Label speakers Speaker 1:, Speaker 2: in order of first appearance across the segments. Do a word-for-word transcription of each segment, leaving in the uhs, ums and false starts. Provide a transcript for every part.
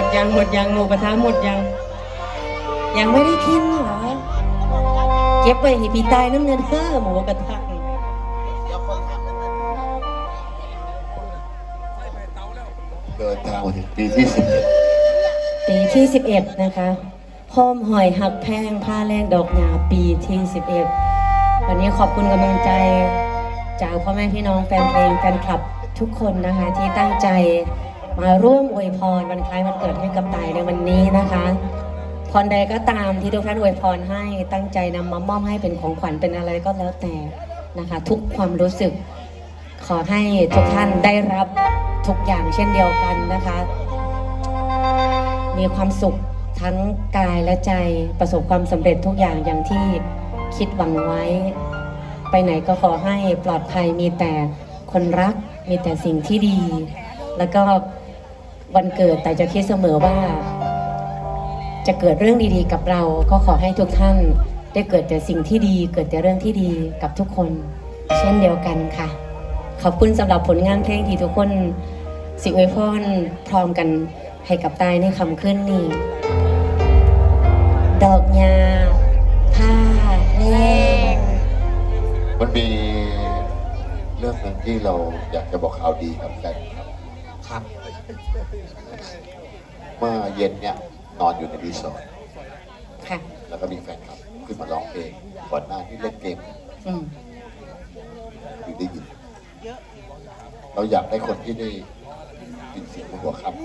Speaker 1: ยังหมดยังหมูกระทะหมดยังยังไม่ได้กินเหรอเก็บไว้ให้พี่ตายน้ำเงินเฮ้อหมูกระทะ
Speaker 2: เดินทางมาถึงปีที่สิบเอ็ด
Speaker 1: ปีที่สิบเอ็ดนะคะพร้อมหอยหักแพงผ้าแลกดอกหญ้าปีที่สิบเอ็ดวันนี้ขอบคุณกำลังใจจากพ่อแม่พี่น้องแฟนเพลงแฟนคลับทุกคนนะคะที่ตั้งใจมาร่วมอวยพรวันคล้ายวันเกิดให้กับตายในวันนี้นะคะพรใดก็ตามที่ทุกท่านอวยพรให้ตั้งใจนำมามอบให้เป็นของขวัญเป็นอะไรก็แล้วแต่นะคะทุกความรู้สึกขอให้ทุกท่านได้รับทุกอย่างเช่นเดียวกันนะคะมีความสุขทั้งกายและใจประสบความสำเร็จทุกอย่างอย่างที่คิดหวังไว้ไปไหนก็ขอให้ปลอดภัยมีแต่คนรักมีแต่สิ่งที่ดีแล้วก็วันเกิดแต่จะคิดเสมอว่าจะเกิดเรื่องดีๆกับเราก็ขอให้ทุกท่านได้เกิดแต่สิ่งที่ดีเกิดแต่เรื่องที่ดีกับทุกคนเช่นเดียวกันค่ะขอบคุณสำหรับผลงานเพลงที่ทุกคนสิอวยพรพร้อมกันให้กับตายในคำขึ้นนี้ดอกหญ้าผ้าแลก
Speaker 2: มันมีเรื่องหนึ่งที่เราอยากจะบอกข่าวดีกับแฟนครับเมื่อเย็นเนี่ยนอนอยู่ในรีสอร์ทค่ะแล้วก็มีแฟนคลับขึ้นมาร้องเพลงก่อนหน้าที่เล่นเกมอยู่ได้ยินเราอยากได้คนที่ได้ยินเสียงบนหัวค่ำ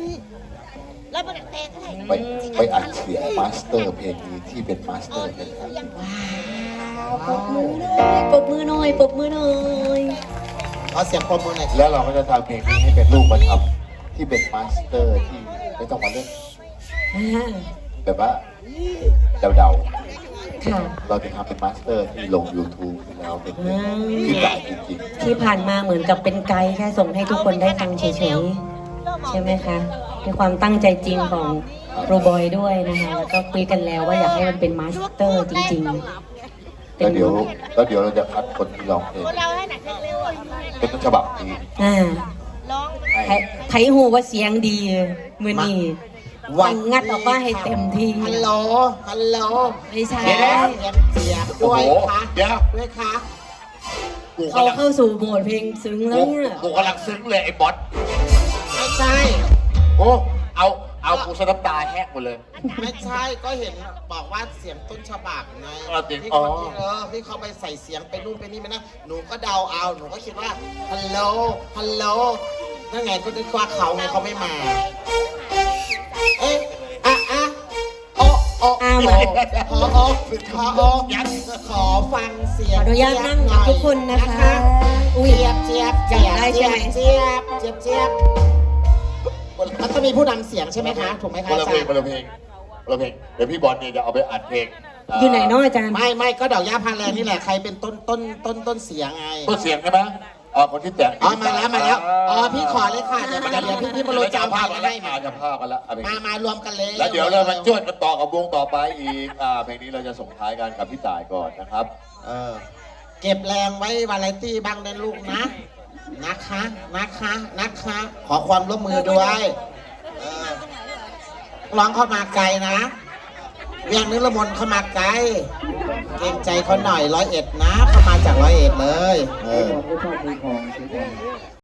Speaker 2: ไปไปอัดเสียงมาสเตอร์เพลงนี้ที่เป็นมาสเตอร์เพลงนี้
Speaker 1: ปรบมือหน่อยปรบมือหน่อยปรบมือหน่อย
Speaker 3: เอาเสียงปรบมือหน่อย
Speaker 2: แล้วเราก็จะทำเพลงนี้ให้เป็นรูปธรรมที่เป็นมาสเตอร์ที่ไม่ต้องมาเล่นแบบว่าเดาๆเราจะทำเป็นมาสเตอร์ที่ลง ยูทูบ แล้วเป็นที่ด่าจริงๆ
Speaker 1: ที่ผ่านมาเหมือนกับเป็นไกด์แค่ส่งให้ทุกคนได้ฟังเฉยๆใช่ไหมคะในความตั้งใจจริงของครูบอยด้วยนะคะแล้วก็คุยกันแล้วว่าอยากให้มันเป็นมาสเตอร์จริงๆ
Speaker 2: แล้วเดี๋ยวแล้วเดี๋ยวเราจะคัดคนที่ร้องเพลงเป็นต้นฉบับนี้
Speaker 1: อ่าไทยหูว่าเสียงดีมือนี่วันงัดออกมาให้เต็มที่
Speaker 3: ฮัลโหลฮัลโหล
Speaker 1: ไม่ใช่
Speaker 3: เสียงด้วยค่ะด้วยค่ะ
Speaker 1: เขาเข้าสู่โหมดเพลงซึ้งแล้วเนี่ย
Speaker 2: กูกำลังซึ้งเลยไอ้บอส
Speaker 3: ไม่ใช่
Speaker 2: โอ้เอาเอากูสะน้ำตาแห้งหมดเลย
Speaker 3: ไม่ใช่ก็เห็นบอกว่าเสียงต้นฉบับไงที่เขาเออที่เขาไปใส่เสียงไปนู่นไปนี่ไปนะหนูก็เดาเอาหนูก็คิดว่าฮัลโหลฮัลโหลนั่นไงก็นึกว่าเขาไงเขาไม่มาเอ๊ะอ่ะอ่ะโอ้โอ้
Speaker 1: อ้าว
Speaker 3: ขอโอ้ขอโอ้ขอฟังเสียง
Speaker 1: ขออนุญาตนั่งกับทุกคนนะคะ
Speaker 3: อุ้ยเจี๊ยบเจี๊ยบเจี๊ยบเจี๊ยบเจี๊ยบเจี๊ยบเจี๊ยบมันต้องมีผู้นำเสียงใช่ไหมคะถูกไหมคะ
Speaker 2: อาจารย์เพลงเพลงเพลงเดี๋ยวพี่บอลเนี่ยจะเอาไปอัดเพลง
Speaker 1: อยู่ไหนน้องอาจารย์
Speaker 3: ไม่ไม่ก็ดอกหญ้าพาแลนี่แหละใครเป็นต้นต้นต้นต้นเสียงไง
Speaker 2: ต้นเสียงใช่ไหมอ๋อคนที่แต่ง
Speaker 3: อ๋อมาแล้วมาแล้วอ๋อพี่ขอเลยค่ะเดี๋ยวเดี๋ยวพี่พี่มาโรยจำภาพมาให้
Speaker 2: มาจะภาพกันแล้ว
Speaker 3: มามารวมกันเลย
Speaker 2: แล้วเดี๋ยวเรามาจ้วนกันต่อกับวงต่อไปอีกอ่าเพลงนี้เราจะส่งท้ายกันกับพี่ต่ายก่อนนะครับ
Speaker 3: เออเก็บแรงไว้วาไรตี้บ้างนะลูกนะนะคะนะคะนะคะขอความร่วมมือด้วยร้องเข้ามาไกลนะเวียงนิรมนเข้ามาไกลเกรงใจเขาหน่อยร้อยเอ็ดนะเข้ามาจากร้อยเอ็ดเลยเออ